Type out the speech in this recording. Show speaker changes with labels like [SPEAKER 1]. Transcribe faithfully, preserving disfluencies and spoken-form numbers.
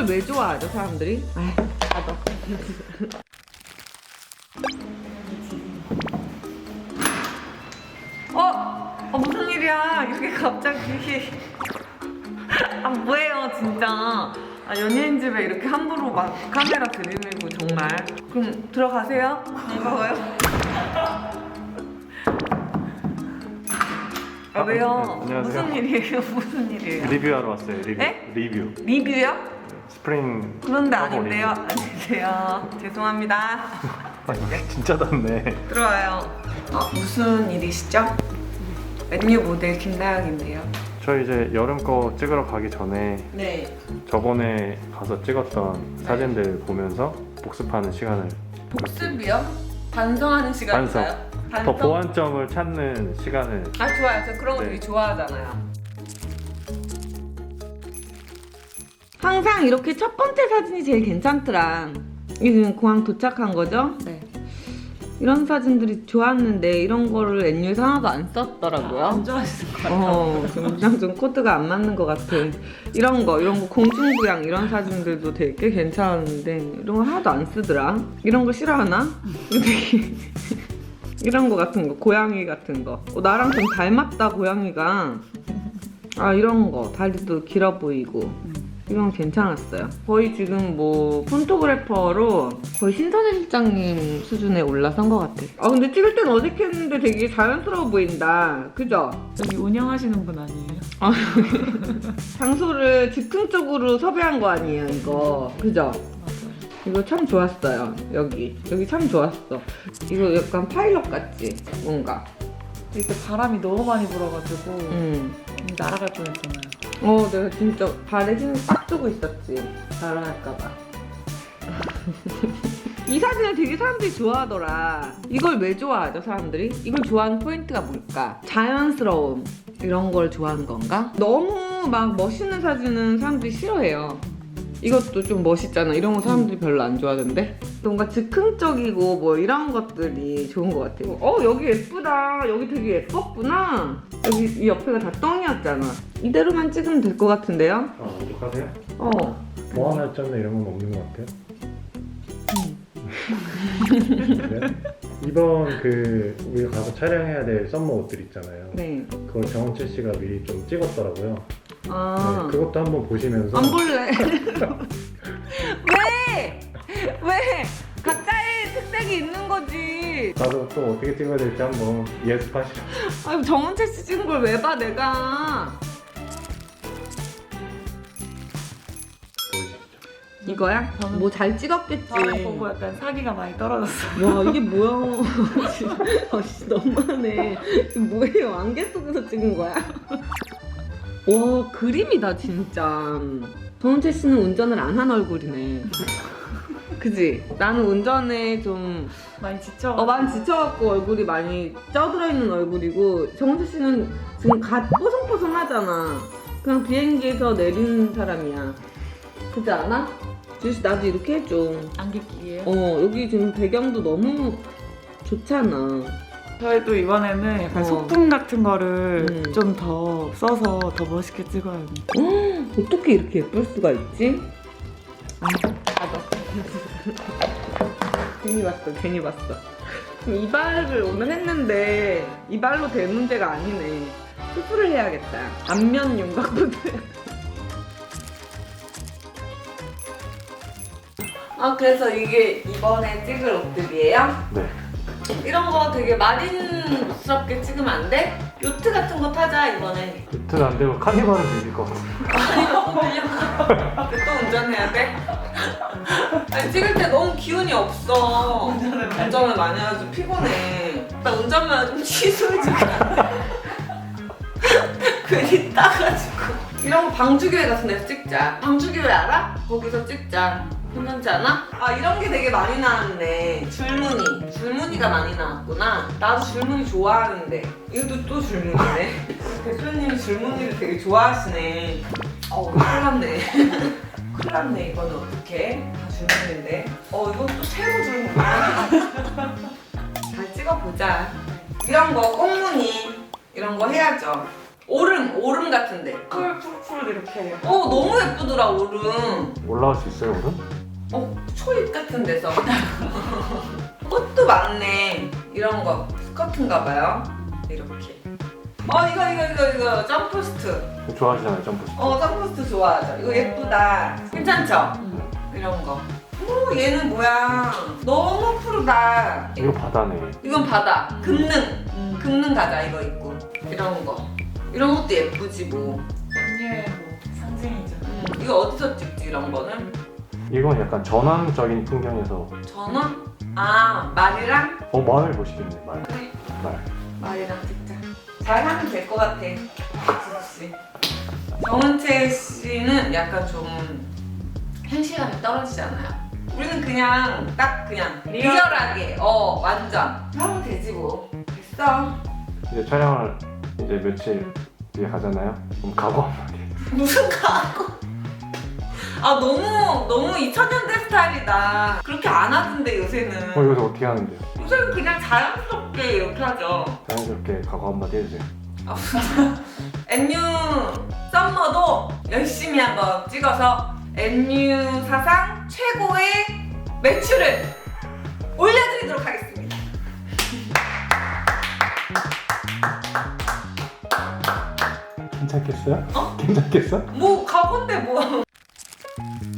[SPEAKER 1] 왜 좋아하죠 사람들이? 아휴 나도. 어? 어 무슨 일이야 이렇게 갑자기. 아 뭐예요 진짜. 아 연예인 집에 이렇게 함부로 막 카메라 들이밀고 정말. 그럼 들어가세요. 반가워요. 아 왜요?
[SPEAKER 2] 네, 안녕하세요.
[SPEAKER 1] 무슨 일이에요? 무슨 일이에요?
[SPEAKER 2] 리뷰하러 왔어요. 리뷰.
[SPEAKER 1] 네?
[SPEAKER 2] 리뷰.
[SPEAKER 1] 리뷰요?
[SPEAKER 2] 스프링.
[SPEAKER 1] 그런데
[SPEAKER 2] 커버
[SPEAKER 1] 아닌데요.
[SPEAKER 2] 리뷰.
[SPEAKER 1] 안녕하세요. 죄송합니다.
[SPEAKER 2] 아니, 진짜 덥네.
[SPEAKER 1] 들어와요. 어, 무슨 일이시죠? 맨유 모델 김나영인데요.
[SPEAKER 2] 저 이제 여름 거 찍으러 가기 전에
[SPEAKER 1] 네.
[SPEAKER 2] 저번에 가서 찍었던 사진들 보면서 복습하는 시간을.
[SPEAKER 1] 복습이요? 반성하는 시간인가요?
[SPEAKER 2] 더 보완점을 찾는 시간을.
[SPEAKER 1] 아 좋아요. 저 그런 거
[SPEAKER 2] 네.
[SPEAKER 1] 되게 좋아하잖아요. 항상 이렇게 첫 번째 사진이 제일 괜찮더라. 이게 공항 도착한 거죠? 네. 이런 사진들이 좋았는데 이런 거를 엔유에서 하나도 안 썼더라고요.
[SPEAKER 3] 안 좋아하시는 것 같아요.
[SPEAKER 1] 어, 지금 좀 코드가 안 맞는 것 같아. 이런 거, 이런 거 공중부양 이런 사진들도 되게 괜찮은데 이런 거 하나도 안 쓰더라. 이런 거 싫어하나? 되게 이런 거 같은 거, 고양이 같은 거. 어, 나랑 좀 닮았다 고양이가. 아 이런 거, 다리도 길어 보이고. 이건 괜찮았어요. 거의 지금 뭐 폰토그래퍼로 거의 신선혜 실장님 수준에 올라선 것 같아. 아 근데 찍을 땐 어색했는데 되게 자연스러워 보인다. 그죠?
[SPEAKER 3] 여기 운영하시는 분 아니에요?
[SPEAKER 1] 아, 장소를 즉흥적으로 섭외한 거 아니에요 이거. 그죠?
[SPEAKER 3] 맞아요.
[SPEAKER 1] 이거 참 좋았어요. 여기 여기 참 좋았어. 이거 약간 파일럿 같지? 뭔가.
[SPEAKER 3] 이때 바람이 너무 많이 불어가지고
[SPEAKER 1] 음.
[SPEAKER 3] 날아갈 뻔했잖아요.
[SPEAKER 1] 어 내가 진짜 발에 힘 빡 주고 있었지. 날아갈까봐. 이 사진을 되게 사람들이 좋아하더라. 이걸 왜 좋아하죠 사람들이? 이걸 좋아하는 포인트가 뭘까? 자연스러움 이런 걸 좋아하는 건가? 너무 막 멋있는 사진은 사람들이 싫어해요. 이것도 좀 멋있잖아. 이런 거 사람들이 별로 안 좋아하던데? 뭔가 즉흥적이고 뭐 이런 것들이 좋은 것 같아요. 어 여기 예쁘다. 여기 되게 예뻤구나. 여기 이 옆에가 다 똥이었잖아. 이대로만 찍으면 될 것 같은데요?
[SPEAKER 2] 아, 어떡하세요?
[SPEAKER 1] 어.
[SPEAKER 2] 보완할점이나 이런 건 없는 것 같아요. 네? 이번 그 우리가 가서 촬영해야 될 썸머 옷들 있잖아요.
[SPEAKER 1] 네.
[SPEAKER 2] 그걸 정원채 씨가 미리 좀 찍었더라고요.
[SPEAKER 1] 아.
[SPEAKER 2] 네, 그것도 한번 보시면서.
[SPEAKER 1] 안 볼래. 왜? 왜? 각자의 특색이 있는 거지.
[SPEAKER 2] 가서 또 어떻게 찍어야 될지 한번 예습하시죠.
[SPEAKER 1] 아유 정은채 씨 찍은 걸 왜 봐 내가.
[SPEAKER 2] 보여주시죠.
[SPEAKER 1] 이거야?
[SPEAKER 3] 저는-
[SPEAKER 1] 뭐 잘 찍었겠지.
[SPEAKER 3] 저를 보고 약간 사기가 많이 떨어졌어요.
[SPEAKER 1] 와 이게 뭐야. 아씨 너무하네. 이게 뭐예요? 안개 속에서 찍은 거야? 와 그림이다 진짜. 정은채 씨는 운전을 안 한 얼굴이네. 그지? 나는 운전에 좀
[SPEAKER 3] 많이 지쳐.
[SPEAKER 1] 어, 많이 지쳐갖고 얼굴이 많이 쪄들어 있는 얼굴이고 정은채 씨는 지금 갓 뽀송뽀송하잖아. 그냥 비행기에서 내리는 사람이야. 그렇지 않아? 주씨 나도 이렇게 해줘.
[SPEAKER 3] 안개 끼기예요.
[SPEAKER 1] 어 여기 지금 배경도 너무 좋잖아.
[SPEAKER 3] 저희도 이번에는 약간
[SPEAKER 1] 어.
[SPEAKER 3] 소품 같은 거를
[SPEAKER 1] 음.
[SPEAKER 3] 좀 더 써서 더 멋있게 찍어야 돼.
[SPEAKER 1] 어떻게 이렇게 예쁠 수가 있지? 아 나도. 괜히 봤어 괜히 봤어. 지금 이발을 오늘 했는데 이발로 될 문제가 아니네. 수술을 해야겠다. 안면 윤곽부터. 아 그래서 이게 이번에 찍을 옷들이에요?
[SPEAKER 2] 네.
[SPEAKER 1] 이런 거 되게 마린스럽게 찍으면 안 돼? 요트 같은 거 타자 이번에.
[SPEAKER 2] 요트는 안 되고 카니발은 되실 것 같아요.
[SPEAKER 1] 아니 너무 밀려. 또 운전해야 돼? 아니 찍을 때 너무 기운이 없어. 운전을 많이 해가지고 피곤해. 나 운전만 좀 취소해주면 안 돼? 괜히 따가지고. 이런 거 방주교회 같은 데서 찍자. 방주교회 알아? 거기서 찍자. 괜찮지 않아? 아 이런 게 되게 많이 나왔네. 줄무늬. 줄무늬가 많이 나왔구나. 나도 줄무늬 좋아하는데. 이것도 또 줄무늬네. 대표님이 줄무늬를 되게 좋아하시네. 어 큰일 났네. 큰일 났네. 이거는 어떡해? 다 줄무늬인데. 어 이건 또 새로 줄무늬야. 잘 찍어보자. 이런 거 꽃무늬 이런 거 해야죠. 오름 오름 같은데.
[SPEAKER 3] 풀 푸르푸르 이렇게.
[SPEAKER 1] 어 너무 예쁘더라 오름.
[SPEAKER 2] 올라갈 수 있어요, 오늘?
[SPEAKER 1] 어 초입 같은 데서. 꽃도 많네. 이런 거 스커트인가 봐요. 이렇게. 어 이거 이거 이거 이거 점프스트.
[SPEAKER 2] 좋아하시잖아요, 점프.
[SPEAKER 1] 어 점프스트 좋아하죠. 이거 예쁘다. 괜찮죠?
[SPEAKER 3] 음.
[SPEAKER 1] 이런 거. 오 얘는 뭐야? 너무 푸르다.
[SPEAKER 2] 이거 바다네.
[SPEAKER 1] 이건 바다. 금능.
[SPEAKER 3] 음.
[SPEAKER 1] 금능 가자 이거 입고. 이런 거. 이런 것도 예쁘지 뭐.
[SPEAKER 3] 언니의 뭐 상징이죠.
[SPEAKER 1] 음, 이거 어디서 찍지 이런 거는?
[SPEAKER 2] 이건 약간 전환적인 풍경에서.
[SPEAKER 1] 전원? 아 말이랑?
[SPEAKER 2] 어, 말 멋있겠네, 말.
[SPEAKER 1] 그래.
[SPEAKER 2] 말.
[SPEAKER 1] 말이랑 찍자. 잘하면 될 것 같아. 지수 씨. 정은채 씨는 약간 좀 현실감이 떨어지잖아요. 우리는 그냥 딱 그냥
[SPEAKER 3] 리얼.
[SPEAKER 1] 리얼하게 어 완전 하면 되지 뭐. 됐어.
[SPEAKER 2] 이제 촬영을 이제 며칠 뒤에 가잖아요. 그럼 각오 한마디.
[SPEAKER 1] 무슨 가고? 아 너무 너무 이천 년대 스타일이다. 그렇게 안 하던데 요새는.
[SPEAKER 2] 어, 여기서 어떻게 하는데요?
[SPEAKER 1] 요새는 그냥 자연스럽게 이렇게 하죠.
[SPEAKER 2] 자연스럽게 각오 한마디 해주세요.
[SPEAKER 1] 엔유 썸머도 열심히 한번 찍어서 엔유 사상 최고의 매출을 올려드리도록 하겠습니다.
[SPEAKER 2] 괜찮겠어요?
[SPEAKER 1] 어?
[SPEAKER 2] 괜찮겠어?
[SPEAKER 1] 뭐 가본데 뭐.